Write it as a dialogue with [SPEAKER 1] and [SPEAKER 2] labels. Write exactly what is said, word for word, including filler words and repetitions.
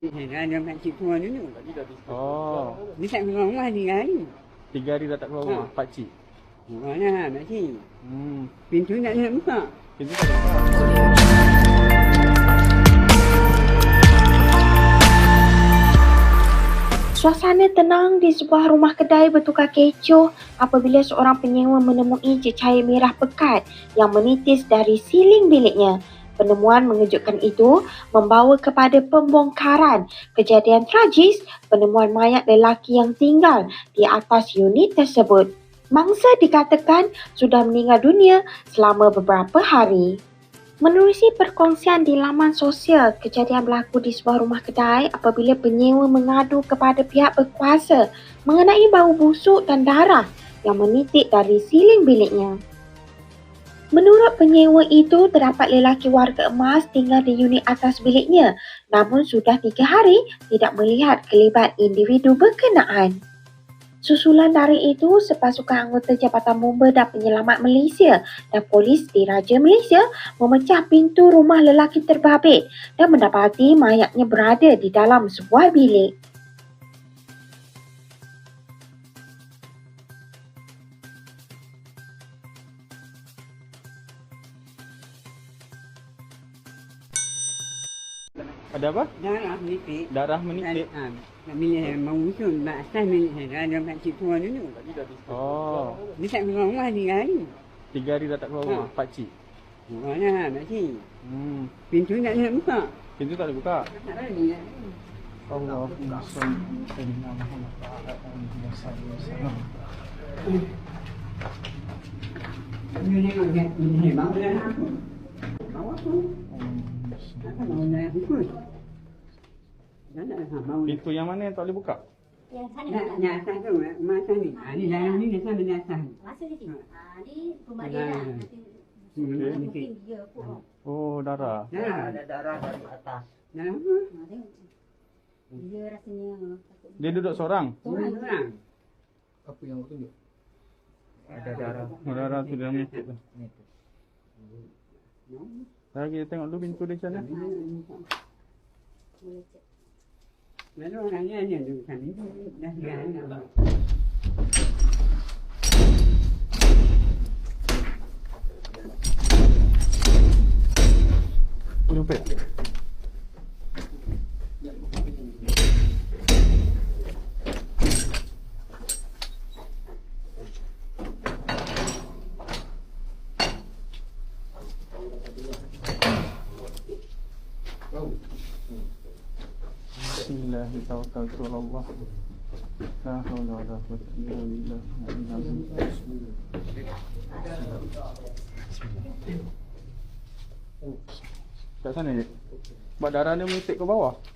[SPEAKER 1] Ada makcik tua dulu.
[SPEAKER 2] Oh,
[SPEAKER 1] Dia tak keluar rumah tiga hari.
[SPEAKER 2] tiga hari dah tak keluar rumah,
[SPEAKER 1] Ha.
[SPEAKER 2] pakcik.
[SPEAKER 1] Mana makcik?
[SPEAKER 2] Hmm,
[SPEAKER 1] Pintu tak nak buka.
[SPEAKER 2] pintu tak ada buka.
[SPEAKER 3] Suasana tenang di sebuah rumah kedai bertukar kecoh apabila seorang penyewa menemui cecair merah pekat yang menitis dari siling biliknya. Penemuan mengejutkan itu membawa kepada pembongkaran kejadian tragis penemuan mayat lelaki yang tinggal di atas unit tersebut. Mangsa dikatakan sudah meninggal dunia selama beberapa hari. Menerusi perkongsian di laman sosial, kejadian berlaku di sebuah rumah kedai apabila penyewa mengadu kepada pihak berkuasa mengenai bau busuk dan darah yang menitik dari siling biliknya. Menurut penyewa itu, terdapat lelaki warga emas tinggal di unit atas biliknya, namun sudah tiga hari tidak melihat kelibat individu berkenaan. Susulan dari itu, sepasukan anggota Jabatan Bomba dan Penyelamat Malaysia dan Polis Diraja Malaysia memecah pintu rumah lelaki terbabit dan mendapati mayatnya berada di dalam sebuah bilik.
[SPEAKER 2] Ada apa?
[SPEAKER 1] Darah menitik.
[SPEAKER 2] Darah menitik.
[SPEAKER 1] Ha, nak milih mau usul mak asal milih ada makcik tua dulu.
[SPEAKER 2] Oh,
[SPEAKER 1] Dia tak keluar rumah tiga hari.
[SPEAKER 2] tiga hari dah tak keluar rumah,
[SPEAKER 1] Ha.
[SPEAKER 2] pakcik.
[SPEAKER 1] Mana makcik?
[SPEAKER 2] Hmm,
[SPEAKER 1] Pintu tak nak buka.
[SPEAKER 2] pintu tak ada buka.
[SPEAKER 1] Tak berani nak.
[SPEAKER 2] Allahumma shalli ala Muhammad wa ala alihi wasallam.
[SPEAKER 1] Dia tengok dia ni bau darah aku. Bau aku. Apa bau darah aku? Nak nak bau.
[SPEAKER 2] Pintu yang mana yang tak boleh buka?
[SPEAKER 4] Yang sana
[SPEAKER 1] Nak nak atas tu, rumah atas ni. Ha, ni darah ni dia sana atas.
[SPEAKER 4] masuk di sini. Ha, ni rumah dia
[SPEAKER 1] Ha.
[SPEAKER 4] lah. Nanti
[SPEAKER 1] Hmm,
[SPEAKER 2] Okey.
[SPEAKER 1] menitik.
[SPEAKER 4] mungkin dia pun.
[SPEAKER 2] Oh, darah.
[SPEAKER 1] Darah.
[SPEAKER 5] darah dari atas.
[SPEAKER 1] Darah apa?
[SPEAKER 4] Ha, tengok. Dia rasanya takut.
[SPEAKER 2] Dia duduk seorang.
[SPEAKER 1] Orang orang.
[SPEAKER 5] Apa yang aku tunjuk? Ada darah.
[SPEAKER 2] Oh, darah tu dalam menitik tu.
[SPEAKER 5] Ni tu.
[SPEAKER 2] Lagi tengok dulu pintu dia macam mana.
[SPEAKER 4] Boleh cek.
[SPEAKER 1] Lalu orangnya hanya duduk sana. Dah tiga hari nak.
[SPEAKER 2] Jumpa. Bismillahirrahmanirrahim. La haula wala quwwata illa billah. Kat sana je. Sebab darah dia menitik ke bawah.